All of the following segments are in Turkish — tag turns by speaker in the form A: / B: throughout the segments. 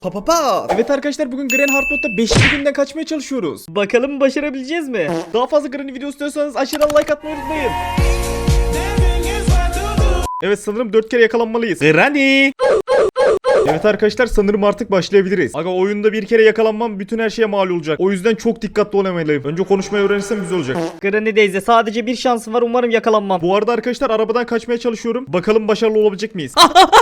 A: Evet arkadaşlar, bugün Granny Hard Mode'da 5. günden kaçmaya çalışıyoruz. Bakalım başarabileceğiz mi? Daha fazla Granny video istiyorsanız aşağıdan like atmayı unutmayın. Evet, sanırım 4 kere yakalanmalıyız. Granny! Evet arkadaşlar, sanırım artık başlayabiliriz. Aga, oyunda bir kere yakalanmam bütün her şeye mal olacak. O yüzden çok dikkatli olamalıyım. Önce konuşmayı öğrenirsem güzel olacak.
B: Granny Daisy, sadece bir şansım var, umarım yakalanmam.
A: Bu arada arkadaşlar, arabadan kaçmaya çalışıyorum. Bakalım başarılı olabilecek miyiz?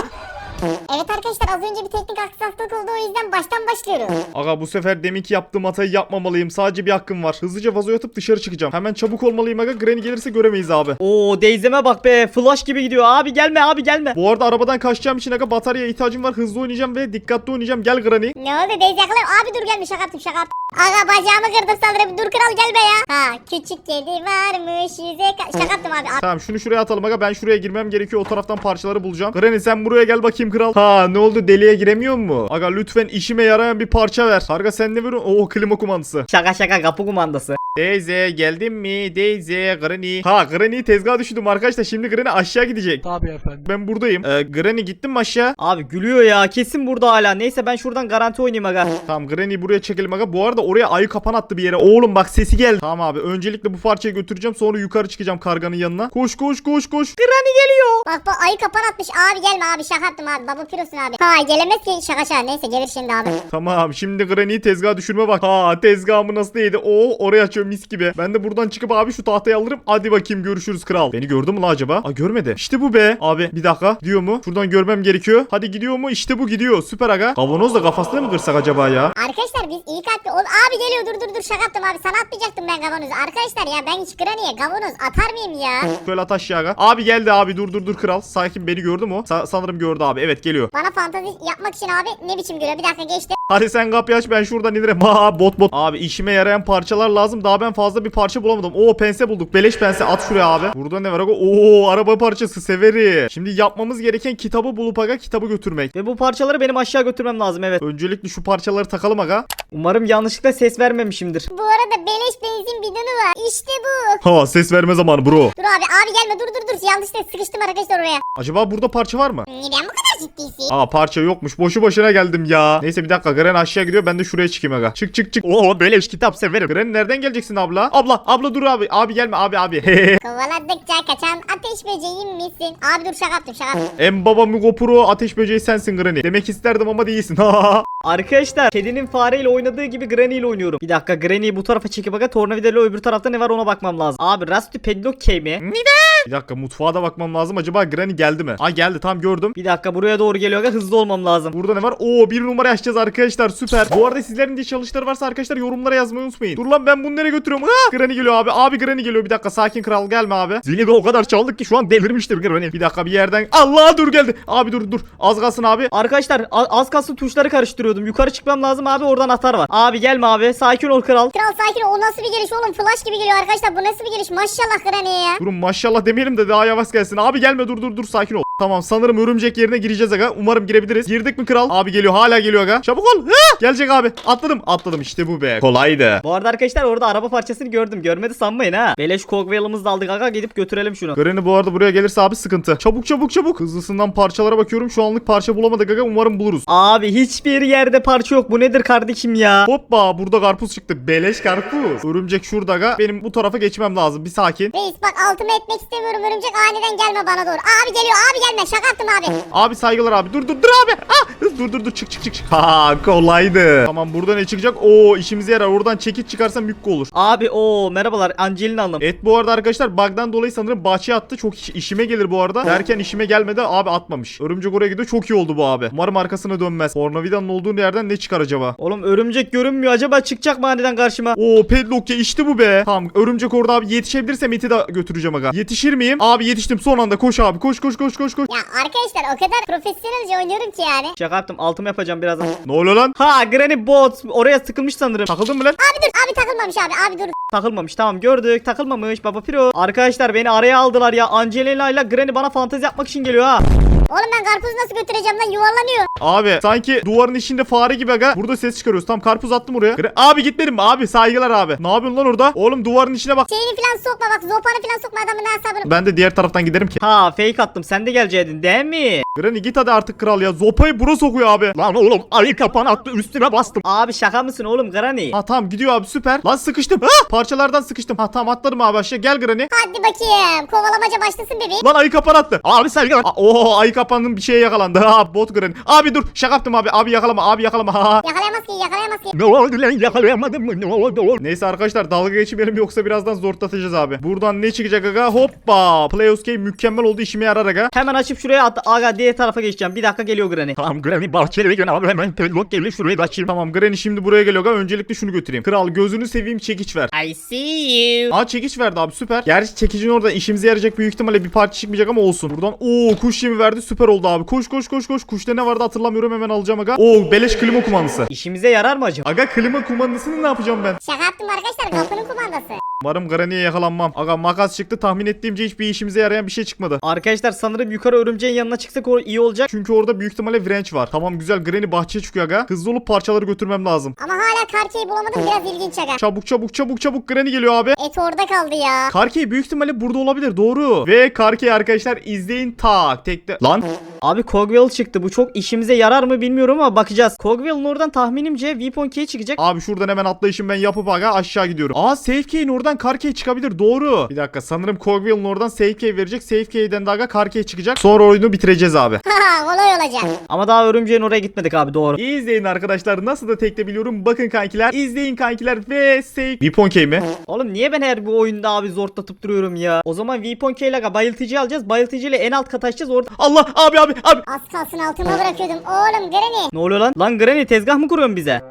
C: Evet arkadaşlar, az önce bir teknik aksaklık oldu, o yüzden baştan başlıyorum.
A: Aga, bu sefer deminki yaptığım hatayı yapmamalıyım. Sadece bir hakkım var. Hızlıca vazoya atıp dışarı çıkacağım. Hemen çabuk olmalıyım aga. Granny gelirse göremeyiz abi.
B: Oo, Daisy'me bak be, flash gibi gidiyor. Abi gelme, abi gelme.
A: Bu arada arabadan kaçacağım için aga bataryaya ihtiyacım var. Hızlı oynayacağım ve dikkatli oynayacağım. Gel Granny.
C: Ne oldu Daisy yakalayayım? Abi dur, gelme, şaka yaptım. Aga, bacağımı kırdım sanırım. Dur kral, gel be ya. Ha, küçük kedi varmış şaka yaptım abi.
A: Tamam, şunu şuraya atalım aga. Ben şuraya girmem gerekiyor. O taraftan parçaları bulacağım. Granny, sen buraya gel bakayım kral. Ha, ne oldu, deliğe giremiyor mu? Aga, lütfen işime yarayan bir parça ver. Karga, sen ne veriyorsun? Oo, klima kumandası.
B: Şaka, kapı kumandası.
A: Daisy, geldin mi? Daisy, Granny. Ha, Granny'yi tezgaha düşürdüm arkadaşlar. Şimdi Granny aşağı gidecek.
D: Tabii efendim.
A: Ben buradayım. Granny, gittin mi aşağı?
B: Abi gülüyor ya, kesin burada hala. Neyse, ben şuradan garanti oynayayım aga.
A: Tamam, Granny'yi buraya çekelim aga. Bu arada oraya ayı kapan attı bir yere. Oğlum bak, sesi geldi. Tamam abi, öncelikle bu parçayı götüreceğim. Sonra yukarı çıkacağım karganın yanına. Koş.
B: Granny geliyor.
C: Bak ayı kapan atmış. Abi gelme abi, şaka yaptım abi. Baba pirosun abi. Ha, gelemez ki, şaka. Neyse, gelir şimdi abi.
A: Tamam, şimdi Granny'yi tezgaha düşürme bak. Ha, tezgahımı nasıl yedi? Oo, oraya açıyor mis gibi. Ben de buradan çıkıp abi şu tahtayı alırım. Hadi bakayım, görüşürüz kral. Beni gördü mü la acaba? Aa, görmedi. İşte bu be. Abi bir dakika. Gidiyor mu? Şuradan görmem gerekiyor. Hadi, gidiyor mu? İşte bu gidiyor. Süper aga. Kavanoz da kafasına mı kırsak acaba ya?
C: Arkadaşlar biz iyi kalpli ol. Abi geliyor, dur şaka yaptım abi. Sana atmayacaktım ben kavanozu. Arkadaşlar ya, ben hiç Granny'e kavanoz atar mıyım ya?
A: Şöyle at aşağı aga. Abi geldi abi. Dur kral. Sakin, beni gördü mü? Sanırım gördü abi. Evet, geliyor.
C: Bana fantezi yapmak için abi ne biçim görüyor? Bir dakika, geçti.
A: Hadi sen kapıyı aç, ben şuradan inerim. Ha, bot. Abi işime yarayan parçalar lazım. Daha ben fazla bir parça bulamadım. Oo, pense bulduk. Beleş pense, at şuraya abi. Burada ne var aga? Oo, araba parçası, severim. Şimdi yapmamız gereken kitabı bulup aga kitabı götürmek.
B: Ve bu parçaları benim aşağı götürmem lazım, evet.
A: Öncelikle şu parçaları takalım aga.
B: Umarım yanlışlıkla ses vermemişimdir.
C: Bu arada beleş benzin bidonu var. İşte bu.
A: Ha, ses verme zamanı bro.
C: Dur abi gelme, dur. Yanlışlıkla sıkıştım arkadaşlar oraya.
A: Acaba burada parça var mı?
C: Neden bu kadar ciddisin?
A: Aa, parça yokmuş. Boşu boşuna geldim ya. Neyse, bir dakika. Granny aşağı gidiyor. Ben de şuraya çıkayım aga. Çık. Oo, böyle kitap severim. Granny, nereden geleceksin abla? Abla dur abi. Abi gelme abi.
C: Kovaladıkça kaçan ateş böceğim misin? Abi dur, şaka yaptım.
A: En baba Mugopuro ateş böceği sensin Granny. Demek isterdim ama değilsin.
B: Arkadaşlar, kedinin fareyle oynadığı gibi Granny ile oynuyorum. Bir dakika, Granny'yi bu tarafa çekip aga, tornavidayla öbür tarafta ne var ona bakmam lazım. Abi, Rusty Padlock Key mi?
A: Bir dakika, mutfağa da bakmam lazım. Acaba Granny geldi mi? Aa, geldi, tam gördüm.
B: Bir dakika, buraya doğru geliyor aga, hızlı olmam lazım.
A: Burada ne var? Oo, bir numara açacağız arkadaşlar, süper. Bu arada sizlerin de çalışları varsa arkadaşlar yorumlara yazmayı unutmayın. Dur lan, ben bunu nereye götürüyorum? Ha! Granny geliyor abi. Abi Granny geliyor, bir dakika, sakin kral, gelme abi. Zili de o kadar çaldık ki şu an delirmiştir Granny. Bir dakika, bir yerden. Allah, dur geldi. Abi dur. Az kalsın abi.
B: Arkadaşlar, az kalsın tuşları karıştırıyordum. Yukarı çıkmam lazım abi, oradan atar var. Abi gelme abi, sakin ol kral.
C: Kral sakin ol, o nasıl bir geliş oğlum? Flash gibi geliyor arkadaşlar, bu nasıl bir geliş? Maşallah Granny'e ya.
A: Durun, maşallah demeyelim de daha yavaş gelsin. Abi gelme, dur, sakin ol. Tamam, sanırım örümcek yerine gireceğiz aga. Umarım girebiliriz. Girdik mi kral? Abi geliyor, hala geliyor aga. Çabuk ol. Ha! Gelecek abi. Atladım, işte bu be. Kolaydı.
B: Bu arada arkadaşlar, orada araba parçasını gördüm. Görmedi sanmayın ha. Beleş Cogwheel'ımızı da aldık aga, gidip götürelim şunu.
A: Granny bu arada buraya gelirse abi sıkıntı. Çabuk. Hızlısından parçalara bakıyorum. Şu anlık parça bulamadık aga. Umarım buluruz.
B: Abi hiçbir yerde parça yok. Bu nedir kardeşim ya?
A: Hoppa, burada karpuz çıktı. Beleş karpuz. Örümcek şurada aga. Benim bu tarafa geçmem lazım. Bir sakin.
C: Reis bak, altıma etmek istemiyorum, örümcek aniden gelme bana doğru. Abi geliyor, abi gelme, şaka yaptım abi.
A: Abi saygılar abi. Dur abi. Ah! Dur. Çık. Ha, kolaydı. Tamam, burada ne çıkacak? Oo, işimize yarar. Oradan çekiç çıkarsam mükk olur.
B: Abi o merhabalar, Angelina Hanım.
A: Et bu arada arkadaşlar bug'dan dolayı sanırım bahçeye attı. Çok işime gelir bu arada. Derken işime gelmedi, abi atmamış. Örümcek oraya gidiyor. Çok iyi oldu bu abi. Umarım arkasına dönmez. Tornavidanın olduğu yerden ne çıkar acaba?
B: Oğlum, örümcek görünmüyor. Acaba çıkacak mı aniden karşıma?
A: Oo, Padlock ya, işte bu be. Tamam, örümcek orada abi, yetişebilirsem eti de götüreceğim aga. Yetişir miyim? Abi yetiştim son anda. Koş abi, koş.
C: Ya arkadaşlar, o kadar profesyonelce oynuyorum ki yani.
B: Şaka yaptım, altımı yapacağım birazdan.
A: Ne oluyor lan?
B: Ha, Granny Bot oraya sıkılmış sanırım.
A: Takıldın mı lan?
C: Abi dur, abi takılmamış abi dur.
B: Takılmamış, tamam gördük, takılmamış baba piro. Arkadaşlar, beni araya aldılar ya. Angelina ile Granny bana fantezi yapmak için geliyor ha.
C: Oğlum ben karpuzu nasıl götüreceğim lan, yuvarlanıyor.
A: Abi sanki duvarın içinde fare gibi aga. Burada ses çıkarıyoruz. Tam karpuz attım oraya. Abi gitmedim mi abi? Saygılar abi. Ne yapıyorsun lan orada? Oğlum duvarın içine bak.
C: Şeyini falan sokma bak, zopanı falan sokma adamın hesabını.
A: Ben de diğer taraftan giderim ki.
B: Ha fake attım, sen de geleceydin değil mi?
A: Granny git hadi artık kral ya. Zopayı bura sokuyor abi.
D: Lan oğlum ayı kapan attı üstüne bastım.
B: Abi şaka mısın oğlum Granny?
A: Ha tamam gidiyor abi süper. Lan sıkıştım. Ha parçalardan sıkıştım. Ha tamam atladım abi aşağı. Gel Granny.
C: Hadi bakayım, kovalamaca başlasın bebeğim.
A: Lan ayı kapan attı.
D: Abi saygılar.
A: Oo ayı kapanın bir şeye yakalandı. Ha bot Granny. Abi dur şaka yaptım abi. Abi yakalama abi yakalama. Ha.
C: Yakalayamaz ki, yakalayamaz ki.
D: Ne oldu lan yakalayamadım mı? Ne oldu?
A: Neyse arkadaşlar dalga geçmeyelim yoksa birazdan zorlatacağız abi. Buradan ne çıkacak aga? Hoppa. Playoscape mükemmel oldu, işime yarar aga.
B: Hemen açıp şuraya at. Aga diğer tarafa geçeceğim. Bir dakika geliyor Granny.
D: Tamam Granny bahçeli gün abi hemen pelok geliyor şurayı da açayım.
A: Tamam Granny şimdi buraya geliyor aga. Öncelikle şunu götüreyim. Kral gözünü seveyim çekiç ver.
B: I see you.
A: Aa çekiç verdi abi süper. Gerçi çekicin orada işimize yarayacak büyük ihtimalle bir parça çıkmayacak ama olsun. Buradan kuş yemi verdi, süper oldu abi. Koş koş koş koş. Kuşta ne vardı hatırlamıyorum, hemen alacağım aga. Beleş klima kumandası.
B: İşimize yarar mı acaba?
A: Aga klima kumandasını ne yapacağım ben?
C: Şaka yaptım arkadaşlar, kapının kumandası.
A: Umarım Granny'ye yakalanmam. Aga makas çıktı, tahmin ettiğimce hiçbir işimize yarayan bir şey çıkmadı.
B: Arkadaşlar sanırım yukarı örümceğin yanına çıksak o iyi olacak.
A: Çünkü orada büyük ihtimalle wrench var. Tamam güzel, Granny bahçeye çıkıyor aga. Hızlı olup parçaları götürmem lazım.
C: Ama hala karkeyi bulamadım, biraz ilginç aga.
A: Çabuk çabuk çabuk çabuk, Granny geliyor abi.
C: Et orada kaldı ya.
A: Karkey büyük ihtimalle burada olabilir, doğru. Ve Karkey arkadaşlar izleyin tak tekte. Lan
B: Abi Cogwheel çıktı. Bu çok işimize yarar mı bilmiyorum ama bakacağız. Cogwheel'ın oradan tahminimce Weapon Key çıkacak.
A: abi şuradan hemen atlayışım ben yapıp aga aşağı gidiyorum. Safe key'in oradan Karkey çıkabilir, doğru. Bir dakika, sanırım Cogwheel'ın oradan safe key verecek. Safe key'den de aga Karkey çıkacak. Sonra oyunu bitireceğiz abi.
C: Haha, kolay olacak.
B: Ama daha örümceğin oraya gitmedik abi, doğru.
A: İyi izleyin arkadaşlar, nasıl da tekte biliyorum. Bakın kankiler, izleyin kankiler ve safe. Weapon key mi?
B: Oğlum niye ben her bu oyunda abi zorlatıp duruyorum ya? O zaman Weapon Key ile bayıltıcı alacağız. Bayıltıcı ile en alt kat açacağız orada.
A: Allah abi.
C: Az kalsın altıma bırakıyordum. Oğlum Granny.
B: Ne oluyor lan? Lan Granny tezgah mı kuruyorsun bize?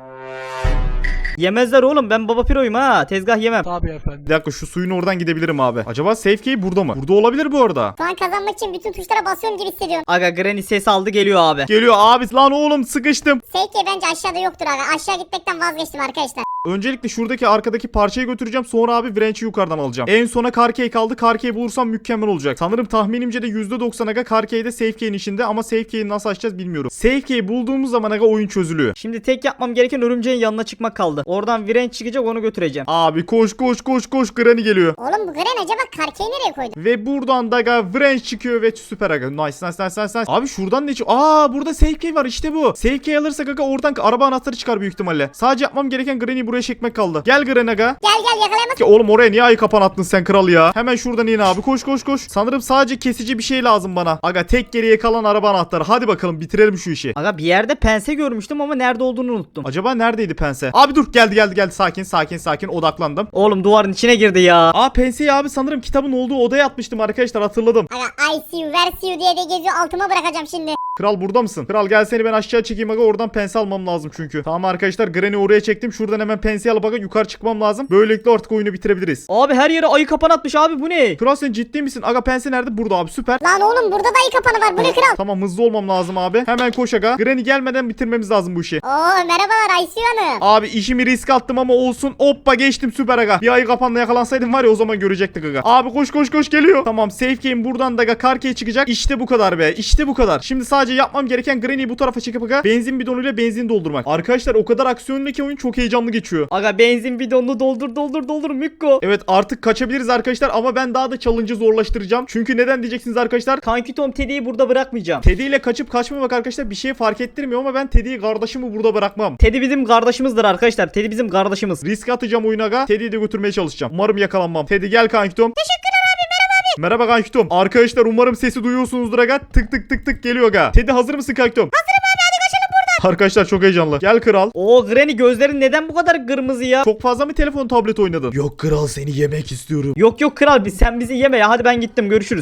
B: Yemezler oğlum, ben baba piroyum ha, tezgah yemem.
A: Bir dakika, şu suyun oradan gidebilirim abi. Acaba safe key burada mı? Burada olabilir bu arada.
C: Şu an kazanmak için bütün tuşlara basıyorum gibi hissediyorum.
B: Aga Granny ses aldı, geliyor abi.
A: Geliyor abi, lan oğlum sıkıştım.
C: Seyke bence aşağıda yoktur aga. Aşağı gitmekten vazgeçtim arkadaşlar.
A: Öncelikle şuradaki arkadaki parçayı götüreceğim, sonra abi wrench'i yukarıdan alacağım. En sona Karkey kaldı. Karkey bulursam mükemmel olacak. Sanırım tahminimce de %90 aga Karkey'de safe key'in içinde, ama safe key'i nasıl açacağız bilmiyorum. Safe key'i bulduğumuz zaman aga oyun çözülüyor.
B: Şimdi tek yapmam gereken örümceğin yanına çıkmak kaldı. Oradan Wrench çıkacak, onu götüreceğim.
A: Abi koş Granny geliyor.
C: Oğlum bu Granny acaba karkeyi nereye koydu?
A: Ve buradan da aga wrench çıkıyor ve süper aga. Nice. Abi şuradan ne çıkıyor? Burada safe key var, işte bu. Safe key alırsak aga oradan araba anahtarı çıkar büyük ihtimalle. Sadece yapmam gereken Granny'yi buraya çekmek kaldı. Gel Granny aga.
C: Gel yakalayamaz.
A: Ki oğlum oraya niye ayı kapan attın sen kral ya? Hemen şuradan in abi, koş. Sanırım sadece kesici bir şey lazım bana. Aga tek geriye kalan araba anahtarı. Hadi bakalım bitirelim şu işi.
B: Aga bir yerde pense görmüştüm ama nerede olduğunu unuttum.
A: Acaba neredeydi pense? Abi dur, geldi. Sakin odaklandım.
B: Oğlum duvarın içine girdi ya.
A: Penseyi abi sanırım kitabın olduğu odaya atmıştım arkadaşlar, hatırladım.
C: Aga I see you, where see you diye de geziyor, altıma bırakacağım şimdi.
A: Kral burada mısın? Kral gel, seni ben aşağı çekeyim aga, oradan pense almam lazım çünkü. Tamam arkadaşlar, Granny oraya çektim. Şuradan hemen pense alıp aga yukarı çıkmam lazım. Böylelikle artık oyunu bitirebiliriz.
B: Abi her yere ayı kapan atmış abi, bu ne?
A: Kral sen ciddi misin? Aga pense nerede? Burada abi, süper.
C: Lan oğlum burada da iyi kapanı var, bu ne kral?
A: Tamam, hızlı olmam lazım abi. Hemen koş aga. Granny gelmeden bitirmemiz lazım bu işi.
C: Oo merhabalar I see you hanım.
A: Abi işimi risk attım ama olsun. Hoppa geçtim, süper aga. Bir ayı kapanla yakalansaydım var ya, o zaman görecektik aga. Abi koş geliyor. Tamam safe game buradan da aga Karkey çıkacak. İşte bu kadar be. İşte bu kadar. Şimdi sadece yapmam gereken Granny'yi bu tarafa çekip aga benzin bidonuyla benzin doldurmak. Arkadaşlar o kadar aksiyonlu ki oyun çok heyecanlı geçiyor.
B: Aga benzin bidonunu doldur Mükko.
A: Evet artık kaçabiliriz arkadaşlar ama ben daha da challenge'ı zorlaştıracağım. Çünkü neden diyeceksiniz arkadaşlar?
B: Kanki Tom Teddy'yi burada bırakmayacağım.
A: Teddy ile kaçıp kaçmamak arkadaşlar bir şey fark ettirmiyor ama ben Teddy'yi, kardeşimi burada bırakmam.
B: Teddy bizim kardeşimizdir arkadaşlar. Teddy bizim kardeşimiz.
A: Risk atacağım oyuna aga. Teddy'yi de götürmeye çalışacağım. Umarım yakalanmam. Teddy gel kankitom.
C: Teşekkürler abi, merhaba abi.
A: Merhaba kankitom. Arkadaşlar umarım sesi duyuyorsunuzdur aga. Tık geliyor aga. Teddy hazır mısın kankitom?
C: Hazırım abi, hadi kaçalım buradan.
A: Arkadaşlar çok heyecanlı. Gel kral.
B: Oo Granny gözlerin neden bu kadar kırmızı ya?
A: Çok fazla mı telefon tablet oynadın? Yok kral, seni yemek istiyorum.
B: Yok kral, sen bizi yeme ya, hadi ben gittim, görüşürüz.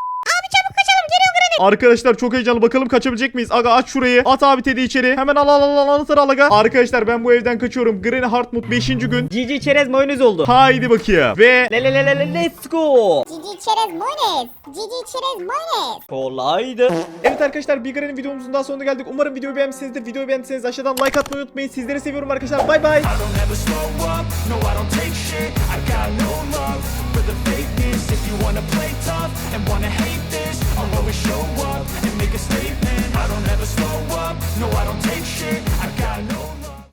A: Arkadaşlar çok heyecanlı, bakalım kaçabilecek miyiz? Aga aç şurayı. At abi Teddy içeri. Hemen al anahtarı al aga. Arkadaşlar ben bu evden kaçıyorum. Granny Hartmut 5. gün.
B: GG çerez mayonez oldu.
A: Haydi bakayım. Ve
B: Let's go.
C: Cici çerez mayonez. Cici çerez mayonez.
B: Kolaydı.
A: evet arkadaşlar, bir Granny videomuzun daha sonuna geldik. Umarım videoyu beğenmişsinizdir. Videoyu beğendiyseniz aşağıdan like atmayı unutmayın. Sizleri seviyorum arkadaşlar. Bay bay.
E: I don't ever slow up, no I don't take shit.